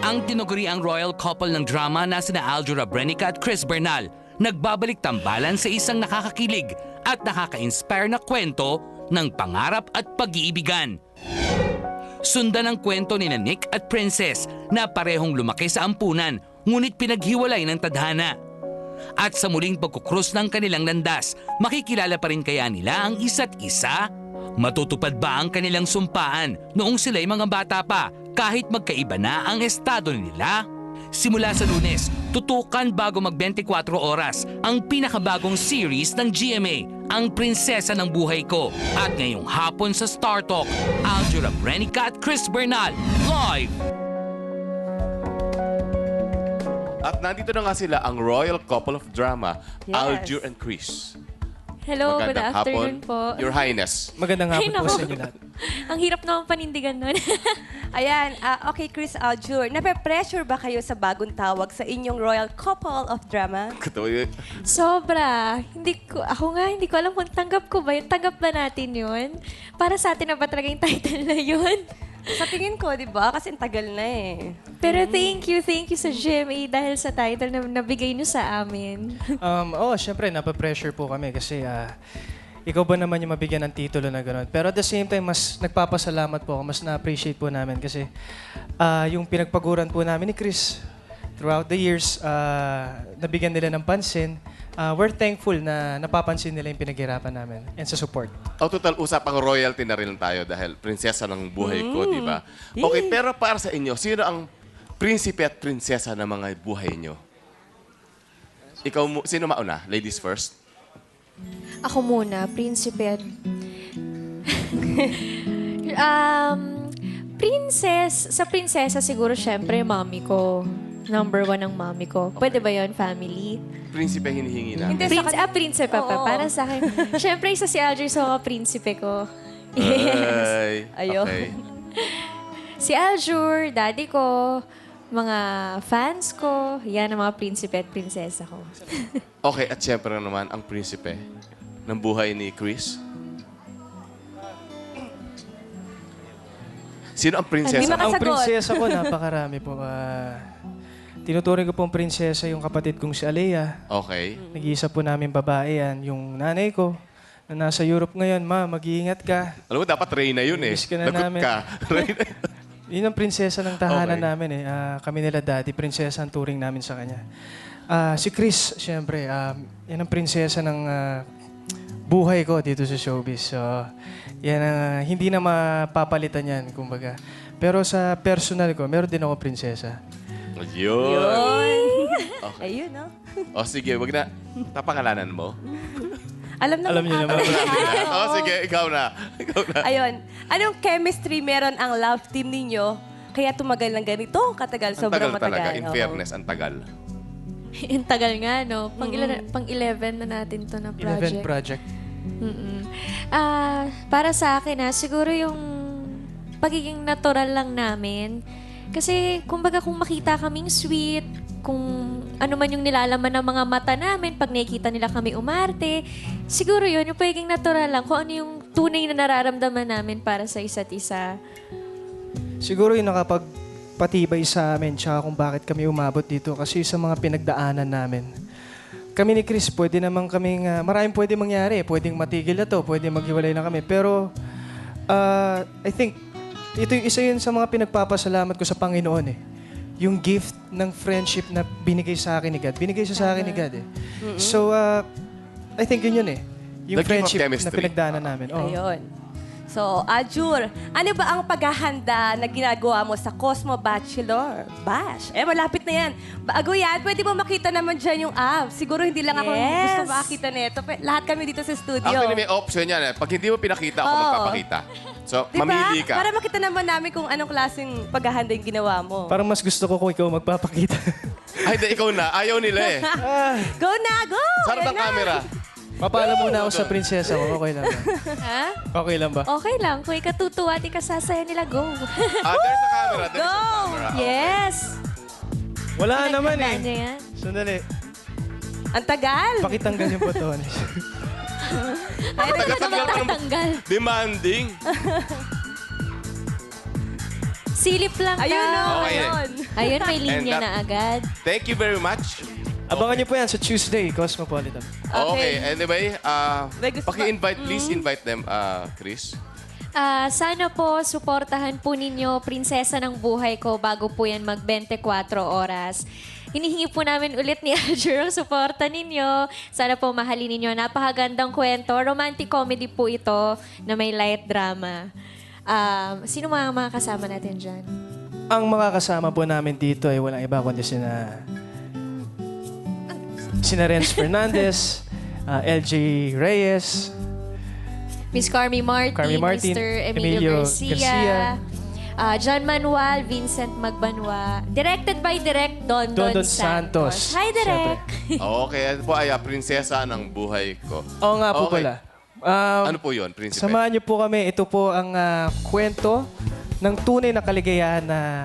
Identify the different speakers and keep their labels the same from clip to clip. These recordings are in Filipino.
Speaker 1: Ang tinuguriang royal couple ng drama na sina Aljur Abrenica at Chris Bernal nagbabalik tambalan sa isang nakakakilig at nakaka-inspire na kwento ng pangarap at pag-iibigan. Sundan ang kwento ni Nick at Princess na parehong lumaki sa ampunan ngunit pinaghiwalay ng tadhana. At sa muling pagkukrus ng kanilang landas, makikilala pa rin kaya nila ang isa't isa? Matutupad ba ang kanilang sumpaan noong sila'y mga bata pa kahit magkaiba na ang estado nila? Simula sa Lunes, tutukan bago mag-24 oras ang pinakabagong series ng GMA, Ang Prinsesa ng Buhay Ko. At ngayong hapon sa Star Talk, Aljur Abrenica at Chris Bernal, live!
Speaker 2: At nandito na nga sila, ang royal couple of drama,
Speaker 3: Yes.
Speaker 2: Aljur and Chris.
Speaker 4: Hello, good
Speaker 2: Magandang
Speaker 4: afternoon
Speaker 2: hapon,
Speaker 4: po.
Speaker 2: Your Highness.
Speaker 5: Magandang hapon
Speaker 4: Ay,
Speaker 5: po
Speaker 4: naku.
Speaker 5: sa inyo lahat.
Speaker 4: Ang hirap naman panindigan nun.
Speaker 3: Ayan, okay, Chris Aljur, nape-pressure ba kayo sa bagong tawag sa inyong royal couple of drama?
Speaker 4: Sobra. Hindi ko alam kung tanggap ko ba yun. Tanggap ba natin yun? Para sa atin na ba talaga yung title na yun?
Speaker 3: Sa tingin ko, di ba? Kasi ang tagal na eh.
Speaker 4: Pero thank you sa GMA dahil sa title na nabigay niyo sa amin.
Speaker 5: Syempre, napapressure po kami kasi ikaw ba naman yung mabigyan ng titulo na gano'n. Pero at the same time, mas nagpapasalamat po ako, mas na-appreciate po namin kasi yung pinagpaguran po namin ni Chris throughout the years, nabigyan nila ng pansin. We're thankful na napapansin nila yung pinaghirapan namin and sa support.
Speaker 2: Total, usapang royalty na rin tayo dahil prinsesa ng buhay ko, di ba? Okay, pero para sa inyo, sino ang prinsipe at prinsesa ng mga buhay nyo? Sino mauna? Ladies first?
Speaker 4: Ako muna, prinsipe. Sa prinsesa siguro syempre mami ko. Number 1 ang mami ko. Pwede ba yon family?
Speaker 2: Prinsipe hinihingi na.
Speaker 3: Hindi.
Speaker 4: Prinsipe pa.
Speaker 3: Oo.
Speaker 4: Para sa akin. Syempre, isa si Aljur sa mga prinsipe ko. Yes.
Speaker 3: Ayun.
Speaker 2: Okay.
Speaker 4: Si Aljur, daddy ko, mga fans ko, yan ang mga prinsipe at prinsesa ko.
Speaker 2: Okay, at syempre naman, ang prinsipe ng buhay ni Chris. Sino ang prinsesa?
Speaker 3: Hindi
Speaker 5: Ang
Speaker 3: Makasagot.
Speaker 5: prinsesa ko, napakarami po. Tinuturing ko pong prinsesa yung kapatid kong si Alea.
Speaker 2: Okay.
Speaker 5: Nag-iisa po namin babae yan. Yung nanay ko, na nasa Europe ngayon, ma, mag-iingat ka.
Speaker 2: Alam mo, dapat Reyna yun eh.
Speaker 5: Miss ka na
Speaker 2: Lagot
Speaker 5: namin.
Speaker 2: ka. Reyna.
Speaker 5: Yun ang prinsesa ng tahanan
Speaker 2: Okay.
Speaker 5: namin eh. Kami nila daddy, prinsesa ang turing namin sa kanya. Si Chris, syempre, yan ang prinsesa ng buhay ko dito sa showbiz. So, yan ang hindi na mapapalitan yan, kumbaga. Pero sa personal ko, meron din ako prinsesa.
Speaker 2: Yun. Okay.
Speaker 3: Ayun, no?
Speaker 2: O sige, wag na. Tapangalanan mo.
Speaker 3: Alam
Speaker 5: niyo naman.
Speaker 2: O sige, ikaw na. Ikaw na.
Speaker 3: Ayun. Anong chemistry meron ang love team ninyo kaya tumagal ng ganito katagal?
Speaker 2: Ang
Speaker 3: Sobrang
Speaker 2: tagal talaga.
Speaker 3: matagal.
Speaker 2: In
Speaker 3: Oo.
Speaker 2: fairness, ang tagal.
Speaker 4: Ang tagal nga, no? Pang-11 na natin to na
Speaker 5: 11
Speaker 4: project.
Speaker 5: project.
Speaker 4: Para sa akin, siguro yung pagiging natural lang namin. Kasi, kumbaga, kung makita kaming sweet, kung ano man yung nilalaman ng mga mata namin, pag nakikita nila kami umarte, siguro yun, yung pagiging natural lang, kung ano yung tunay na nararamdaman namin para sa isa't isa.
Speaker 5: Siguro yung nakapagpatibay sa amin tsaka kung bakit kami umabot dito kasi sa mga pinagdaanan namin. Kami ni Chris, pwede naman kaming, maraming pwede mangyari. Pwedeng matigil na to, pwede maghiwalay na kami. Pero, I think, ito yung isa yun sa mga pinagpapasalamat ko sa Panginoon eh. Yung gift ng friendship na binigay sa akin ni God. Binigay siya sa akin ni God eh. So, I think yun eh.
Speaker 2: The gift
Speaker 5: Yung
Speaker 2: of
Speaker 5: friendship na
Speaker 2: chemistry.
Speaker 5: pinagdaanan namin. Oo.
Speaker 3: Ayun. So, Aljur, ano ba ang paghahanda na ginagawa mo sa Cosmo Bachelor Bash? Malapit na yan. Bago yan, pwede mo makita naman dyan yung app. Siguro hindi lang ako Yes. gusto makita nito. Lahat kami dito sa studio.
Speaker 2: Actually, may option yan. Pag hindi mo pinakita, ako
Speaker 3: Oo.
Speaker 2: magpapakita. So,
Speaker 3: Diba?
Speaker 2: mamili ka.
Speaker 3: Para makita naman namin kung anong klaseng paghahanda yung ginawa mo.
Speaker 5: Parang mas gusto ko kung ikaw magpapakita.
Speaker 2: Ay, di, ikaw na. Ayaw nila eh.
Speaker 3: Go na, go!
Speaker 2: Sarap
Speaker 3: Ayan
Speaker 2: ng
Speaker 3: na.
Speaker 2: camera.
Speaker 5: Papaalam muna ako sa prinsesa ko. Okay lang ba?
Speaker 4: Ha?
Speaker 5: Okay lang ba?
Speaker 4: Okay lang. Kung ikatutuwa at ikasasaya nila, go.
Speaker 2: There's a camera. There's a camera.
Speaker 4: Yes!
Speaker 5: Wala naman
Speaker 4: Tandaan
Speaker 5: eh.
Speaker 4: niyo yan?
Speaker 5: Sandali.
Speaker 3: Ang tagal.
Speaker 5: Pakitanggal yung botones.
Speaker 4: Ay,
Speaker 2: Tagal-tagal pa naman.
Speaker 4: tanggal.
Speaker 2: Demanding.
Speaker 4: Silip lang
Speaker 3: Ayun
Speaker 4: daw.
Speaker 3: o,
Speaker 2: Okay.
Speaker 3: ayun.
Speaker 4: Ayun, may linya
Speaker 2: And that-
Speaker 4: na agad.
Speaker 2: Thank you very much.
Speaker 5: Abangan niyo po yan sa Tuesday, Cosmopolitan.
Speaker 2: Okay, anyway,
Speaker 3: May gusto
Speaker 2: paki-invite, please invite them, Chris.
Speaker 4: Sana po suportahan po ninyo Prinsesa ng Buhay Ko bago po yan mag 24 oras. Hinihingi po namin ulit ni Azure ang suporta ninyo. Sana po mahalin ninyo. Napakagandang kwento. Romantic comedy po ito na may light drama. Sino mga kasama natin dyan?
Speaker 5: Ang mga kasama po namin dito ay walang iba kundi sina Renz Fernandez, LJ Reyes,
Speaker 4: Miss Carmi Martin, Mr. Emilio Garcia. John Manuel, Vincent Magbanwa. Directed by Direk Dondon Santos. Hi, Direk!
Speaker 2: Okay, ano po ay prinsesa ng buhay ko.
Speaker 5: Oo nga po
Speaker 2: Okay.
Speaker 5: pala.
Speaker 2: Ano po yun, prinsipe?
Speaker 5: Samahan niyo po kami. Ito po ang kwento ng tunay na kaligayahan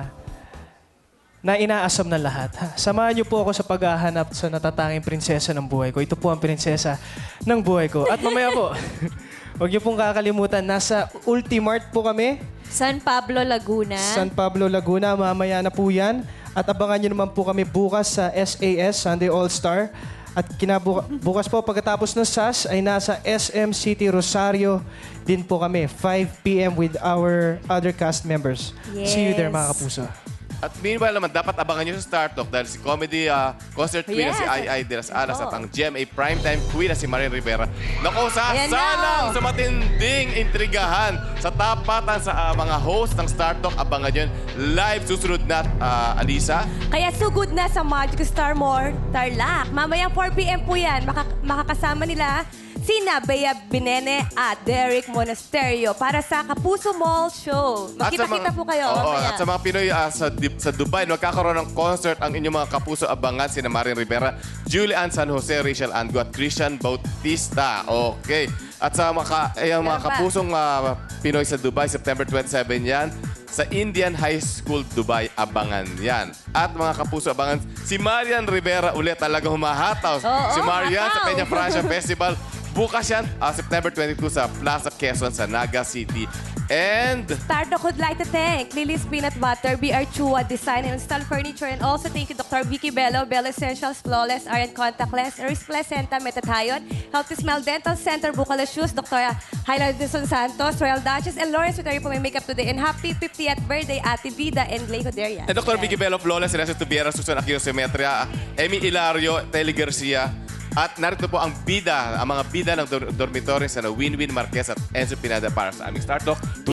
Speaker 5: na inaasam ng lahat. Samahan niyo po ako sa paghahanap sa natatanging prinsesa ng buhay ko. Ito po ang prinsesa ng buhay ko. At mamaya po, huwag niyo pong kakalimutan, nasa Ultimart po kami.
Speaker 4: San Pablo, Laguna.
Speaker 5: San Pablo, Laguna. Mamaya na po yan. At abangan nyo naman po kami bukas sa SAS, Sunday All-Star. At bukas po, pagkatapos ng SAS, ay nasa SM City Rosario din po kami. 5 p.m. with our other cast members. See you there, mga kapuso.
Speaker 2: At meanwhile naman, dapat abangan nyo sa Star Talk dahil si comedy concert queen na si
Speaker 3: Yes.
Speaker 2: Ai de las Alas at ang GMA primetime queen na si Marian Rivera. Naku,
Speaker 3: Ayan
Speaker 2: sasalang
Speaker 3: na.
Speaker 2: sa matinding intrigahan sa tapatan sa mga host ng Star Talk. Abangan yun live susunod na, Alisa.
Speaker 3: Kaya sugod na sa Magic Star Mall, Tarlac. Mamayang 4 p.m. po yan. Makakasama nila sina Bea Binene at Derek Monasterio para sa Kapuso Mall Show. Magkita-kita po kayo.
Speaker 2: Oo,
Speaker 3: mamaya.
Speaker 2: at sa mga Pinoy sa Dubai, magkakaroon ng concert ang inyong mga kapuso abangan sina Marian Rivera, Julian San Jose, Rachel Ango at Christian Bautista. Okay. At sa mga
Speaker 3: Meron pa.
Speaker 2: kapusong Pinoy sa Dubai, September 27 yan. Sa Indian High School Dubai, abangan yan. At mga kapuso, abangan si Marian Rivera ulit talaga humahataw.
Speaker 3: Oo,
Speaker 2: Si Marian sa
Speaker 3: hataw.
Speaker 2: Peña Francia Festival. Bukas yan, September 22 sa Plaza Quezon sa Naga City. And
Speaker 3: Stardock would like to thank Lily's Peanut Butter, BR Chua Design and Install Furniture, and also thank you Dr. Vicky Bello, Bello Essentials, Flawless, Iron Contactless, Eris Placenta, Metathion, Healthy Smell Dental Center, Bucala Shoes, Dr. Hyla Dizon Santos, Royal Duchess, and Lawrence with po may makeup today. And happy 50th birthday, Ate Vida and Glay Hoderia.
Speaker 2: Dr. Vicky Bello Flawless, Renato Tubiera, Susan Aquino Simetria, Emmy Hilario, Telly Garcia. At narito po ang mga bida ng dormitory sa Win-Win Marquez at Enzo Pineda para sa aming Star Talk.